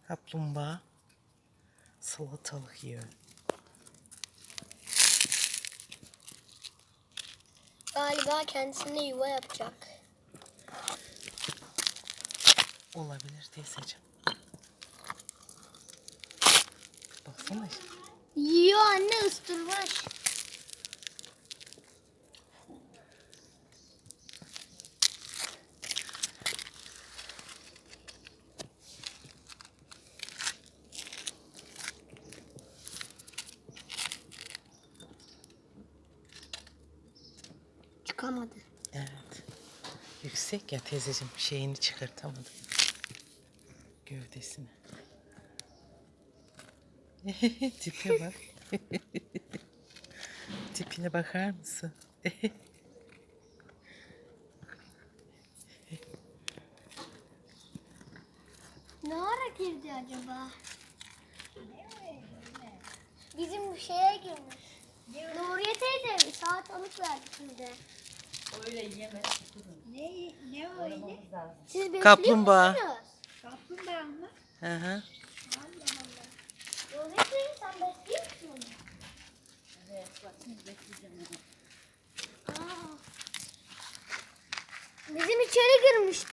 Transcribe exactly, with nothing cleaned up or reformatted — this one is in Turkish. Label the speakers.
Speaker 1: Kaplumbağa salatalık yiyor.
Speaker 2: Galiba kendisine yuva yapacak.
Speaker 1: Olabilir teyzeciğim. Baksana işte.
Speaker 2: Yiyor anne, ıstırmış. Çıkamadı.
Speaker 1: Evet. Yüksek ya teyzeciğim, şeyini çıkartamadım. Gövdesini. Tipe bak. Tipine bakar mısın?
Speaker 2: Ne ara girdi acaba? Bizim şeye girmiş. Nuriye teyze salatalık verdi size.
Speaker 3: Öyle yeme.
Speaker 4: Ne, ne öyle?
Speaker 2: Siz bekliyor
Speaker 1: Kaplumbağa.
Speaker 2: musunuz?
Speaker 4: Kaplumbağa mı?
Speaker 1: Hı hı.
Speaker 4: Allah Allah.
Speaker 2: Nuriye teyze sen bekliyor musun?
Speaker 3: Evet, bak şimdi bekleyeceğim onu.
Speaker 2: Aa. Bizim içeri girmiş.